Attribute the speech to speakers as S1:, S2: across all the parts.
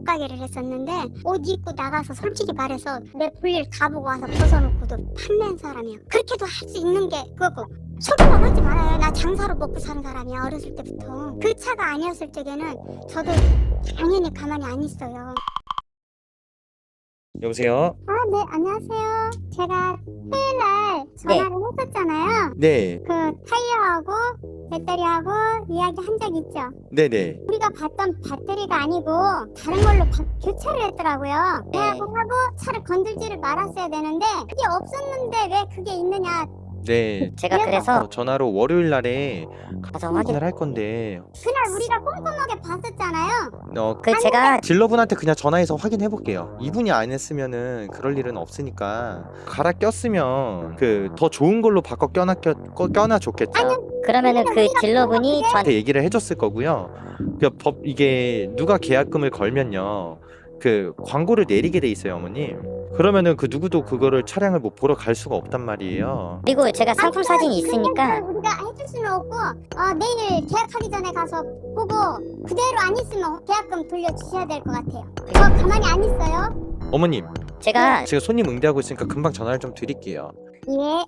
S1: 옷가게를 했었는데 옷 입고 나가서 솔직히 말해서 내 볼일 다 보고 와서 벗어놓고도 판매한 사람이야. 그렇게도 할 수 있는 게 그거고. 소리만 하지 말아요. 나 장사로 먹고 사는 사람이야. 어렸을 때부터. 그 차가 아니었을 적에는 저도 당연히 가만히 안 있어요.
S2: 여보세요?
S1: 아, 네, 안녕하세요. 제가 토요일날 전화를 했었잖아요.
S2: 네,
S1: 그 타이어하고 배터리하고 이야기 한 적 있죠?
S2: 네네.
S1: 우리가 봤던 배터리가 아니고 다른 걸로 교체를 했더라고요.
S3: 네.
S1: 하고 차를 건들지를 말았어야 되는데 그게 없었는데 왜 그게 있느냐.
S2: 네.
S3: 제가 그래서
S2: 전화로 월요일 날에
S3: 가서 확인.
S2: 확인을 할 건데,
S1: 그날 우리가 꼼꼼하게 봤었잖아요.
S3: 제가
S2: 딜러분한테 그냥 전화해서 확인해 볼게요. 이분이 안 했으면은 그럴 일은 없으니까. 갈아 꼈으면 더 좋은 걸로 바꿔 껴놔 줬겠죠.
S3: 그러면은 그 딜러분이 저한테
S2: 저한테 얘기를 해줬을 거고요. 이게 누가 계약금을 걸면요, 광고를 내리게 돼 있어요, 어머님. 그러면은 누구도 그거를 차량을 뭐 보러 갈 수가 없단 말이에요.
S3: 그리고 제가 상품 사진이 있으니까
S1: 그걸 우리가 해줄 수는 없고 내일 계약하기 전에 가서 보고 그대로 안 있으면 계약금 돌려주셔야 될 것 같아요. 저 가만히 안 있어요.
S2: 어머님,
S3: 제가
S2: 제가 손님 응대하고 있으니까 금방 전화를 좀 드릴게요.
S1: 예.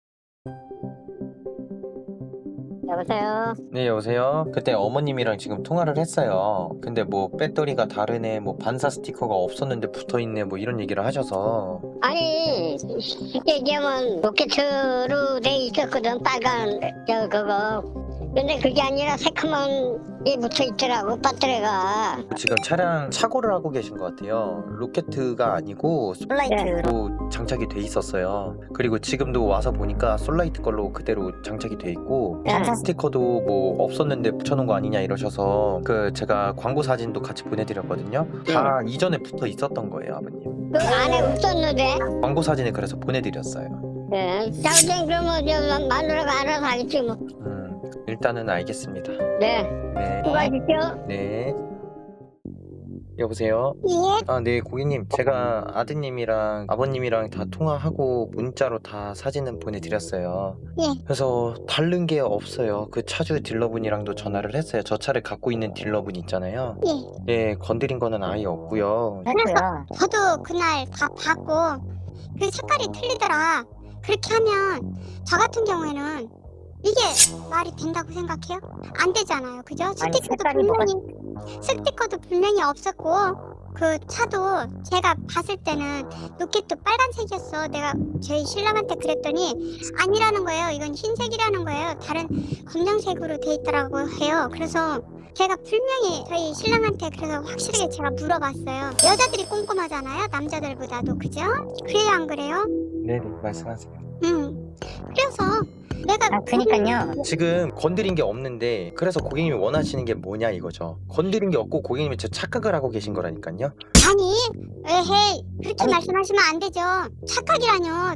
S3: 여보세요.
S2: 네, 여보세요? 그때 어머님이랑 지금 통화를 했어요. 근데 뭐 배터리가 다르네, 뭐 반사 스티커가 없었는데 붙어있네, 뭐 이런 얘기를 하셔서.
S4: 아니 쉽게 얘기하면 로켓으로 돼 있었거든. 빨간 그거. 근데 그게 아니라 새카만 게 묻혀 있더라고, 배터리가.
S2: 지금 차량 착오를 하고 계신 것 같아요. 로켓가 아니고
S3: 솔라이트로
S2: 장착이 돼 있었어요. 그리고 지금도 와서 보니까 솔라이트 걸로 그대로 장착이 돼 있고, 반사 스티커도 뭐 없었는데 붙여놓은 거 아니냐 이러셔서 제가 광고 사진도 같이 보내드렸거든요. 다 이전에 붙어 있었던 거예요, 아버님.
S4: 그 안에 없었는데.
S2: 광고 사진을 그래서 보내드렸어요.
S4: 네. 자우생 그러면 저 마누라가 알아서 하겠지 뭐.
S2: 일단은 알겠습니다.
S4: 네.
S2: 네.
S4: 수고하십시오.
S2: 네. 여보세요?
S1: 예.
S2: 네, 고객님. 제가 아드님이랑 아버님이랑 다 통화하고 문자로 다 사진은 보내드렸어요.
S1: 예.
S2: 그래서 다른 게 없어요. 그 차주 딜러분이랑도 전화를 했어요. 저 차를 갖고 있는 딜러분 있잖아요.
S1: 예.
S2: 예, 건드린 거는 아예 없고요.
S3: 했고요.
S1: 저도 그날 다 봤고 그 색깔이 틀리더라. 그렇게 하면 저 같은 경우에는 이게 말이 된다고 생각해요? 안 되잖아요. 그죠?
S3: 아니, 색깔이
S1: 스티커도 분명히 없었고 그 차도 제가 봤을 때는 로켓도 빨간색이었어. 내가 저희 신랑한테 그랬더니 아니라는 거예요. 이건 흰색이라는 거예요. 다른 검정색으로 돼 있더라고 해요. 그래서 제가 분명히 저희 신랑한테 그래서 확실하게 제가 물어봤어요. 여자들이 꼼꼼하잖아요. 남자들보다도. 그죠? 그래요, 안 그래요?
S2: 네, 말씀하세요.
S1: 그래서 내가
S3: 그니까요.
S2: 지금 건드린 게 없는데, 그래서 고객님이 원하시는 게 뭐냐 이거죠. 건드린 게 없고 고객님이 저 착각을 하고 계신 거라니까요.
S1: 아니, 에헤이, 그렇게 말씀하시면 안 되죠. 착각이라뇨.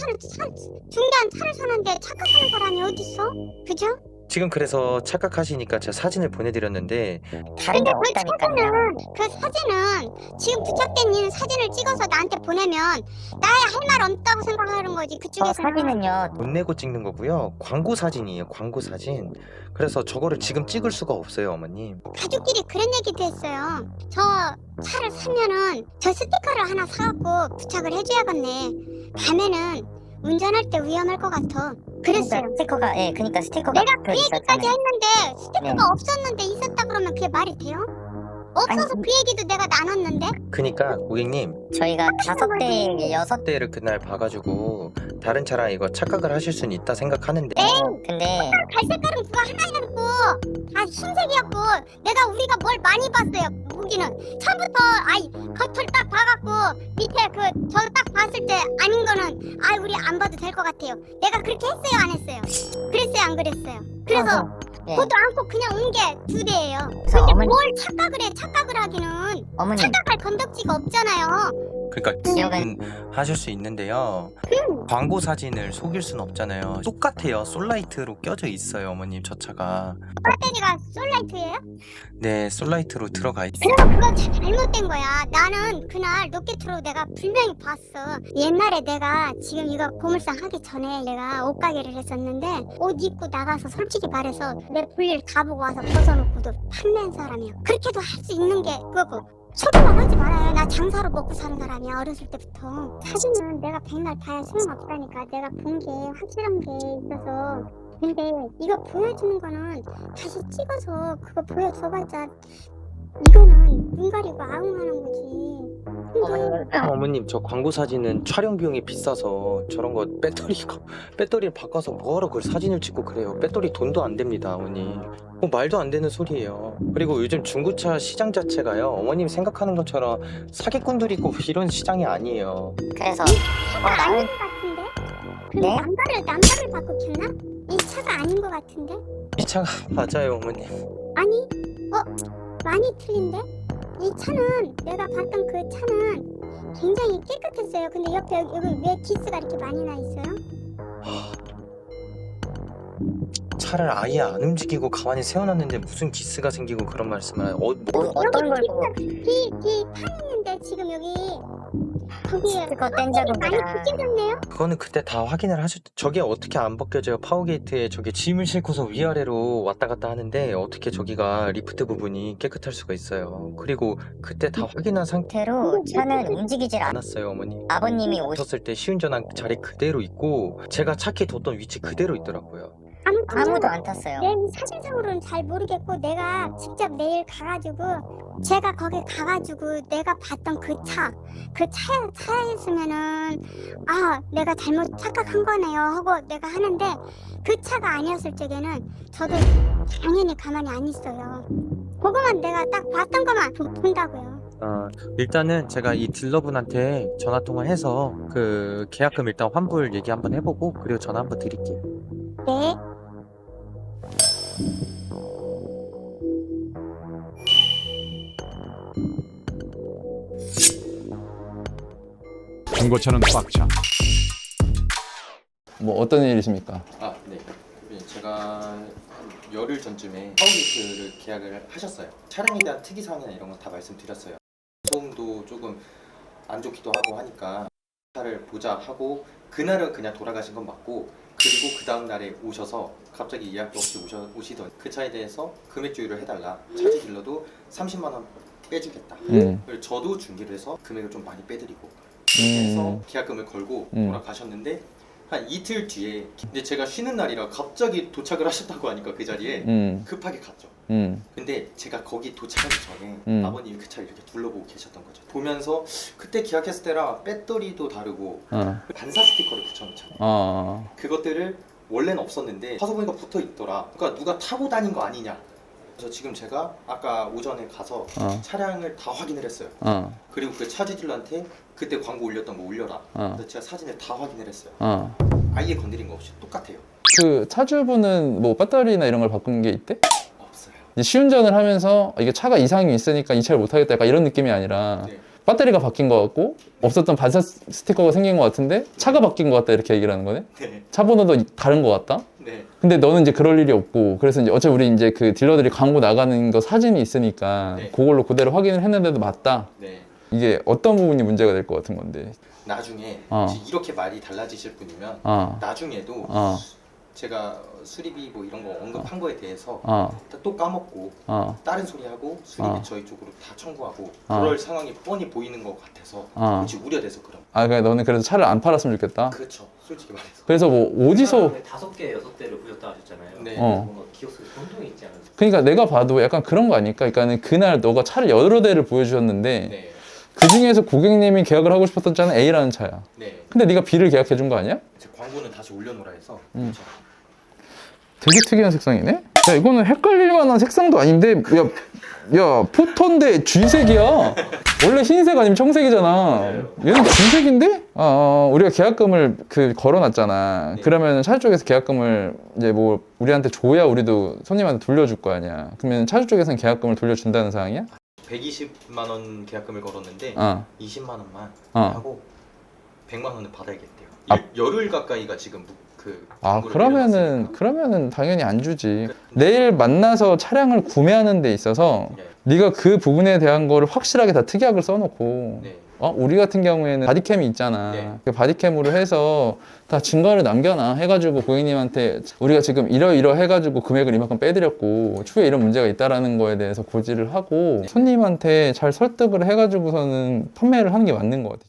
S1: 중대한 차를 사는데 착각하는 사람이 어딨어? 그죠?
S2: 지금 그래서 착각하시니까 제가 사진을 보내드렸는데,
S3: 다른 게
S1: 근데
S3: 없다니까요.
S1: 그 사진은 지금 부착된 이 사진을 찍어서 나한테 보내면 나야 할 말 없다고 생각하는 거지.
S3: 저
S1: 그쪽에서는.
S3: 사진은요.
S2: 돈 내고 찍는 거고요. 광고 사진이에요, 광고 사진. 그래서 저거를 지금 찍을 수가 없어요, 어머님.
S1: 가족끼리 그런 얘기도 했어요. 저 차를 사면은 저 스티커를 하나 사갖고 부착을 해줘야겠네. 밤에는 운전할 때 위험할 것 같아. 그랬어요.
S3: 스티커가 그니까 스티커가
S1: 내가 그 얘기까지
S3: 있었잖아요.
S1: 했는데 스티커가
S3: 네.
S1: 없었는데 있었다 그러면 그게 말이 돼요? 없어서
S3: 아니,
S1: 그 얘기도 내가 나눴는데?
S2: 그니까 고객님,
S3: 저희가 5대, 6대.
S2: 그날 봐가지고 다른 차랑 이거 착각을 하실 수는 있다 생각하는데,
S3: 근데
S1: 갈색깔은 그거 하나였고 다 흰색이었고 우리가 뭘 많이 봤어요. 무기는 처음부터 겉을 딱 봐갖고 밑에 저 딱 봤을 때 아닌 거는 우리 안 봐도 될 것 같아요. 내가 그렇게 했어요, 안 했어요? 그랬어요, 안 그랬어요? 그래서
S3: 네.
S1: 보도 않고 그냥 온 게 2대예요.
S3: 그래서
S1: 근데
S3: 어머니-
S1: 뭘 착각을 해? 착각을 하기는
S3: 어머님
S1: 착각할 건덕지가 없잖아요.
S2: 그러니까
S3: 기억은
S2: 하실 수 있는데요. 광고 사진을 속일 수는 없잖아요. 똑같아요. 솔라이트로 껴져 있어요, 어머님, 저 차가.
S1: 배터리가 솔라이트예요?
S2: 네, 솔라이트로 들어가 있어요.
S1: 그래서 그건 잘못된 거야. 나는 그날 로켓으로 내가 분명히 봤어. 옛날에 내가 지금 이거 보물상 하기 전에 내가 옷가게를 했었는데 옷 입고 나가서 솔직히 말해서 내 볼일 다 보고 와서 벗어놓고도 판매한 사람이야. 그렇게도 할 수 있는 게 그거고. 소리만 하지 말아요. 나 장사로 먹고 사는 사람이야, 어렸을 때부터. 사진은 내가 백날 봐야 소용없다니까. 내가 본 게 확실한 게 있어서. 근데 이거 보여주는 거는 다시 찍어서 그거 보여줘봤자 이거는 눈 가리고 아웅하는 거지. 근데
S2: 어머님 저 광고 사진은 촬영 비용이 비싸서 저런 거 배터리를 바꿔서 뭐하러 그걸 사진을 찍고 그래요. 배터리 돈도 안 됩니다 어머니. 말도 안 되는 소리예요. 그리고 요즘 중고차 시장 자체가요 어머님 생각하는 것처럼 사기꾼들이 있고 이런 시장이 아니에요.
S3: 그래서
S1: 차가 아닌 것 같은데? 근데
S3: 네?
S1: 남자를 바꿔 켰나? 이 차가 아닌 것 같은데?
S2: 이 차가 맞아요 어머님.
S1: 아니, 많이 틀린데? 이 차는 내가 봤던 그 차는 굉장히 깨끗했어요. 근데 옆에 여기 왜 기스가 이렇게 많이 나 있어요?
S2: 차를 아예 안 움직이고 가만히 세워놨는데 무슨 기스가 생기고 그런 말씀을 하요.
S3: 어떤 걸 보고
S1: 뒤 파였는데 지금 여기 거기에
S3: 스티커 뗀 자국이랑
S1: 많이 벗겨졌네요?
S2: 그거는 그때 다 확인을 하셨. 저게 어떻게 안 벗겨져요? 파워게이트에 저게 짐을 싣고서 위아래로 왔다 갔다 하는데 어떻게 저기가 리프트 부분이 깨끗할 수가 있어요. 그리고 그때 다 확인한
S3: 상태로 차는 움직이질 않아.
S2: 않았어요 어머니.
S3: 아버님이
S2: 오셨을 때 시운전한 자리 그대로 있고 제가 차키 뒀던 위치 그대로 있더라고요.
S3: 아무도 안 탔어요.
S1: 내 사진상으로는 잘 모르겠고 내가 직접 내일 가가지고 제가 거기 가가지고 내가 봤던 그 차였으면은 내가 잘못 착각한 거네요 하고 내가 하는데 그 차가 아니었을 적에는 저도 당연히 가만히 안 있어요. 그거만 내가 딱 봤던 것만 본다고요.
S2: 일단은 제가 이 딜러분한테 전화 통화해서 그 계약금 일단 환불 얘기 한번 해보고 그리고 전화 한번 드릴게요.
S1: 네.
S5: 중고차는 꽉차.
S6: 뭐 어떤 일이십니까?
S2: 네. 제가 한 열흘 전쯤에 파워게이트를 계약을 하셨어요. 차량에 대한 특이사항이나 이런 건 다 말씀드렸어요. 소음도 조금 안 좋기도 하고 하니까 차를 보자 하고 그날은 그냥 돌아가신 건 맞고 그리고 그 다음 날에 오셔서 갑자기 예약도 없이 오시던 그 차에 대해서 금액 조율을 해달라. 차지 딜러도 30만 원 빼주겠다. 그리고 저도 중개를 해서 금액을 좀 많이 빼드리고 해서 계약금을 걸고 돌아가셨는데 한 이틀 뒤에 근데 제가 쉬는 날이라 갑자기 도착을 하셨다고 하니까 그 자리에 급하게 갔죠. 근데 제가 거기 도착하기 전에 아버님이 그 차를 이렇게 둘러보고 계셨던 거죠. 보면서 그때 계약했을 때랑 배터리도 다르고 반사 스티커를 붙여놓잖아요. 그것들을 원래는 없었는데 가서 보니까 붙어 있더라. 그러니까 누가 타고 다닌 거 아니냐. 그래서 지금 제가 아까 오전에 가서 차량을 다 확인을 했어요. 그리고 그 차주들한테 그때 광고 올렸던 거 올려라. 그래서 제가 사진을 다 확인을 했어요. 아예 건드린 거 없이 똑같아요.
S6: 그 차주분은 뭐 배터리나 이런 걸 바꾼 게 있대?
S2: 없어요.
S6: 이제 시운전을 하면서 이게 차가 이상이 있으니까 이 차를 못 하겠다 약간 이런 느낌이 아니라
S2: 네.
S6: 배터리가 바뀐 것 같고 없었던 반사 스티커가 생긴 것 같은데 차가 바뀐 것 같다 이렇게 얘기를 하는 거네?
S2: 네.
S6: 차 번호도 다른 것 같다?
S2: 네.
S6: 근데 너는 이제 그럴 일이 없고 그래서 이제 어차피 우리 이제 그 딜러들이 광고 나가는 거 사진이 있으니까
S2: 네.
S6: 그걸로 그대로 확인을 했는데도 맞다.
S2: 네.
S6: 이게 어떤 부분이 문제가 될 것 같은 건데.
S2: 나중에 이렇게 말이 달라지실 분이면 나중에도 제가 수리비 뭐 이런 거 언급한 거에 대해서 또 까먹고 다른 소리 하고 수리비 저희 쪽으로 다 청구하고 그럴 상황이 뻔히 보이는 것 같아서 혹시 우려돼서 그런.
S6: 그러니까 너는 그래서 차를 안 팔았으면 좋겠다.
S2: 그렇죠. 솔직히 말해서.
S6: 그래서 뭐 어디서
S7: 5개, 6대를 보셨다 하셨잖아요.
S2: 네.
S7: 뭔가 기억 속에 혼동이 있지 않았어요?
S6: 그러니까 내가 봐도 약간 그런 거 아닐까? 그러니까는 그날 너가 차를 여러 대를 보여주셨는데
S2: 네.
S6: 그 중에서 고객님이 계약을 하고 싶었던 차는 A라는 차야.
S2: 네.
S6: 근데 네가 B를 계약해 준 거 아니야?
S2: 제 광고는 다시 올려놓으라 해서. 그렇죠.
S6: 되게 특이한 색상이네? 야 이거는 헷갈릴 만한 색상도 아닌데 야 포톤데 쥐색이야. 원래 흰색 아니면 청색이잖아. 얘는 쥐색인데? 우리가 계약금을 걸어놨잖아.
S2: 네.
S6: 그러면 차주 쪽에서 계약금을 이제 뭐 우리한테 줘야 우리도 손님한테 돌려줄 거 아니야. 그러면 차주 쪽에서는 계약금을 돌려준다는 상황이야?
S2: 120만 원 계약금을 걸었는데 20만 원만 하고 100만 원을 받아야겠대요. 열흘 가까이가 지금 광고를
S6: 그러면은 당연히 안 주지. 내일 만나서 차량을 구매하는 데 있어서
S2: 네.
S6: 네가 그 부분에 대한 거를 확실하게 다 특약을 써놓고
S2: 네.
S6: 우리 같은 경우에는 바디캠이 있잖아.
S2: 네.
S6: 그 바디캠으로 해서 다 증거를 남겨놔 해가지고 고객님한테 우리가 지금 이러 해가지고 금액을 이만큼 빼드렸고 추후에 이런 문제가 있다라는 거에 대해서 고지를 하고 손님한테 잘 설득을 해가지고서는 판매를 하는 게 맞는 것 같아.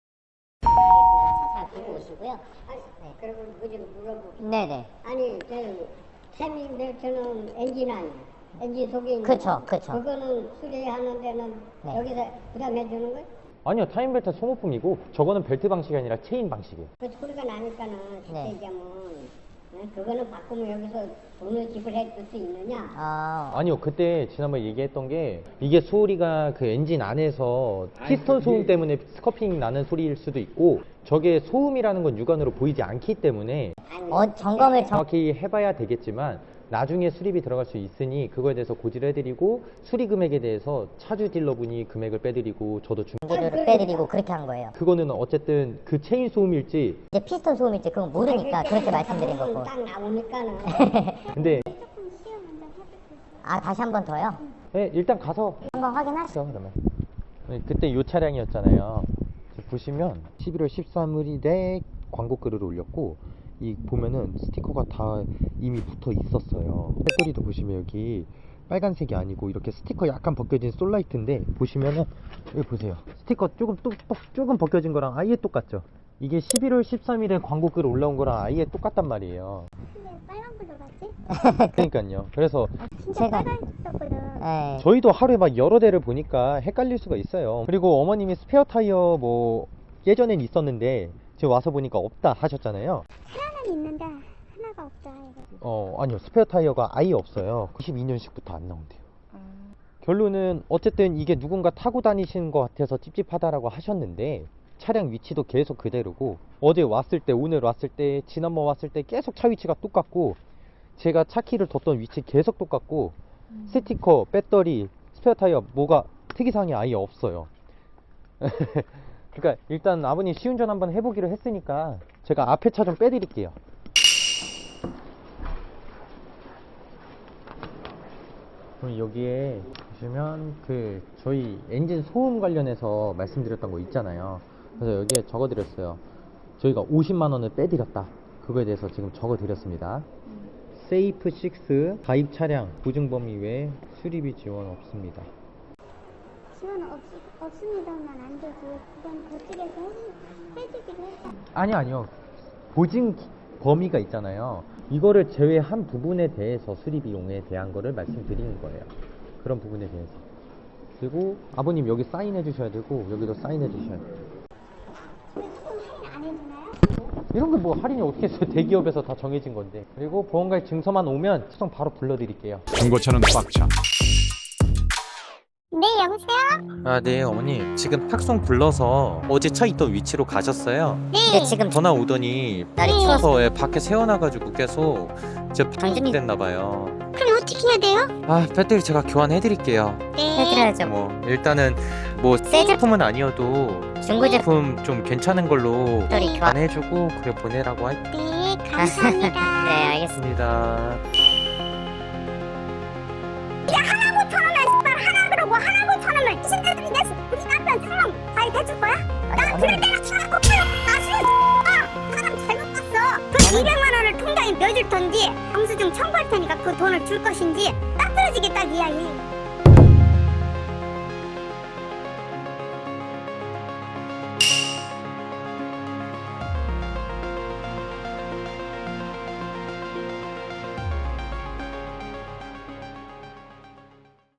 S4: 잘 보고 오시고요. 네, 그리고 뭐좀 물어보고.
S3: 네네.
S4: 아니, 타이밍벨트는 엔진 아니야. 엔진 속에 있는
S3: 그쵸,
S4: 거.
S3: 그쵸.
S4: 그거는 수리하는 데는
S3: 네.
S4: 여기서 부담해 주는 거야?
S5: 아니요, 타임벨트 소모품이고 저거는 벨트 방식이 아니라 체인 방식이에요.
S4: 그 소리가 나니까는 쉽게
S3: 네.
S4: 얘기하면 그거는 바꾸면 여기서 돈을 지불해 줄 수 있느냐?
S5: 아니요, 그때 지난번에 얘기했던 게 이게 소리가 그 엔진 안에서 피스톤 소음 때문에 스커핑 나는 소리일 수도 있고 저게 소음이라는 건 육안으로 보이지 않기 때문에
S3: 점검을
S5: 정확히 해봐야 되겠지만 나중에 수리비 들어갈 수 있으니 그거에 대해서 고지를 해드리고 수리 금액에 대해서 차주 딜러분이 금액을 빼드리고 저도
S3: 중고료를 빼드리고 그렇게 한 거예요.
S5: 그거는 어쨌든 그 체인 소음일지
S3: 이제 피스톤 소음일지 그건 모르니까 그렇게 말씀드린 거고.
S4: 딱 나오니까는
S5: 근데
S3: 다시 한 번 더요?
S5: 네, 일단 가서
S3: 한번 확인하시죠.
S5: 그러면 그때 요 차량이었잖아요. 보시면 11월 13일에 광고 글을 올렸고 이 보면은 스티커가 다 이미 붙어 있었어요. 배터리도 보시면 여기 빨간색이 아니고 이렇게 스티커 약간 벗겨진 솔라이트인데 보시면은 여기 보세요. 스티커 조금 벗겨진 거랑 아예 똑같죠. 이게 11월 13일에 광고 글 올라온 거랑 아예 똑같단 말이에요.
S1: 근데 빨간 불로 봤지?
S5: 그러니까요. 그래서
S1: 진짜
S3: 제가-
S1: 빨간색이었거든.
S3: 네.
S5: 저희도 하루에 막 여러 대를 보니까 헷갈릴 수가 있어요. 그리고 어머님이 스페어 타이어 뭐 예전엔 있었는데 지금 와서 보니까 없다 하셨잖아요.
S1: 하나는 있는데 하나가 없다. 이거.
S5: 아니요, 스페어 타이어가 아예 없어요. 92년식부터 안 나온대요. 결론은 어쨌든 이게 누군가 타고 다니시는 것 같아서 찝찝하다라고 하셨는데 차량 위치도 계속 그대로고 어제 왔을 때, 오늘 왔을 때, 지난번 왔을 때 계속 차 위치가 똑같고 제가 차 키를 뒀던 위치 계속 똑같고 스티커, 배터리, 스페어 타이어 뭐가 특이사항이 아예 없어요. 그러니까 일단 아버님 시운전 한번 해보기로 했으니까 제가 앞에 차 좀 빼드릴게요. 그럼 여기에 보시면 그 저희 엔진 소음 관련해서 말씀드렸던 거 있잖아요. 그래서 여기에 적어드렸어요. 저희가 50만 원을 빼드렸다. 그거에 대해서 지금 적어드렸습니다. 세이프 6 가입 차량 보증 범위 외 수리비 지원 없습니다.
S1: 지원 없습니다만 안 되지. 그건 그쪽에서 해주기로 했다.
S5: 아니요. 보증 범위가 있잖아요. 이거를 제외한 부분에 대해서 수리 비용에 대한 거를 말씀드리는 거예요. 그런 부분에 대해서. 그리고 아버님 여기 사인해 주셔야 되고 여기도 사인해 주셔야 돼요.
S1: 근데 조금 할인 안 해주나요?
S5: 이런 거 뭐 할인이 어떻게 있어요? 대기업에서 다 정해진 건데. 그리고 보험가입 증서만 오면 추성 바로 불러드릴게요.
S8: 중고차는 꽉차.
S1: 네, 여보세요?
S2: 네 어머니 지금 탁송 불러서 어제 차 있던 위치로 가셨어요.
S3: 근데 지금
S2: 전화 오더니
S3: 날이 추워서
S2: 추워서 밖에 세워놔가지고 계속 이제
S3: 당신이-
S2: 됐나봐요.
S1: 그럼 어떻게 해야 돼요?
S2: 배터리 제가 교환해드릴게요.
S1: 네.
S3: 해드려야죠.
S2: 뭐 일단은 뭐
S3: 새
S2: 제품은 아니어도
S3: 중고 제품
S2: 제품 좀 괜찮은 걸로
S3: 배터리 교환.
S2: 안 해주고 그래 보내라고
S1: 네, 감사합니다.
S3: 네, 알겠습니다.
S2: 했습니다.